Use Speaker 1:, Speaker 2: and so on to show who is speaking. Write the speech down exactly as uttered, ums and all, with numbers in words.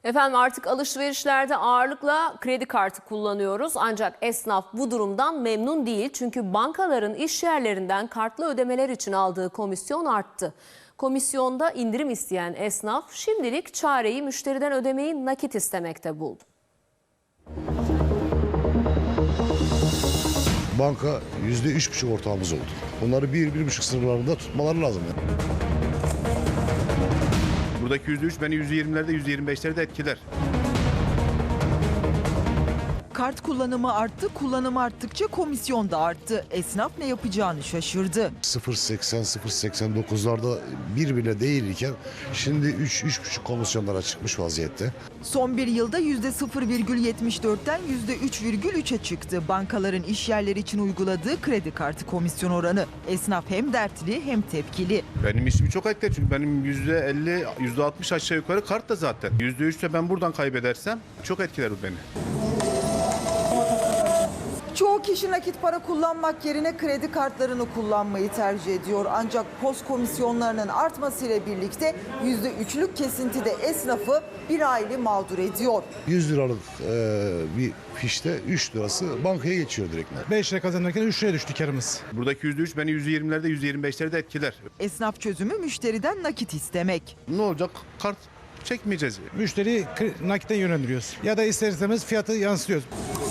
Speaker 1: Efendim artık alışverişlerde ağırlıkla kredi kartı kullanıyoruz. Ancak esnaf bu durumdan memnun değil. Çünkü bankaların iş yerlerinden kartlı ödemeler için aldığı komisyon arttı. Komisyonda indirim isteyen esnaf şimdilik çareyi müşteriden ödemeyi nakit istemekte buldu.
Speaker 2: Banka yüzde üç buçuk ortağımız oldu. Onları bir, bir buçuk sınırlarında tutmaları lazım. Yani.
Speaker 3: Buradaki yüzde üç beni yüzde yirmilerde, yüzde yirmi beşlerde etkiler.
Speaker 4: Kart kullanımı arttı, kullanımı arttıkça komisyon da arttı. Esnaf ne yapacağını şaşırdı.
Speaker 2: sıfır virgül seksen sıfır virgül seksen dokuzlarda bir bile değilken şimdi üç üç buçuk komisyonlara çıkmış vaziyette.
Speaker 4: Son bir yılda yüzde sıfır virgül yetmiş dörtten yüzde üç virgül üçe çıktı. Bankaların iş yerleri için uyguladığı kredi kartı komisyon oranı. Esnaf hem dertli hem tepkili.
Speaker 3: Benim işimi çok etkiler çünkü benim yüzde elli, yüzde altmış aşağı yukarı kart da zaten. yüzde üçte ben buradan kaybedersem çok etkiler bu beni.
Speaker 4: Çoğu kişi nakit para kullanmak yerine kredi kartlarını kullanmayı tercih ediyor. Ancak post komisyonlarının artmasıyla birlikte yüzde üçlük kesinti de esnafı bir aile mağdur ediyor.
Speaker 2: yüz liralık e, bir fişte üç lirası bankaya geçiyor direkt.
Speaker 5: beş lira kazanırken üç liraya düştü karımız.
Speaker 3: Buradaki yüzde üç beni yüzde yirmilerde, yüzde yirmi beşlerde etkiler.
Speaker 4: Esnaf çözümü müşteriden nakit istemek.
Speaker 3: Ne olacak? Kart çekmeyeceğiz.
Speaker 5: Müşteriyi nakite yönlendiriyoruz. Ya da ister istemez fiyatı yansıtıyoruz.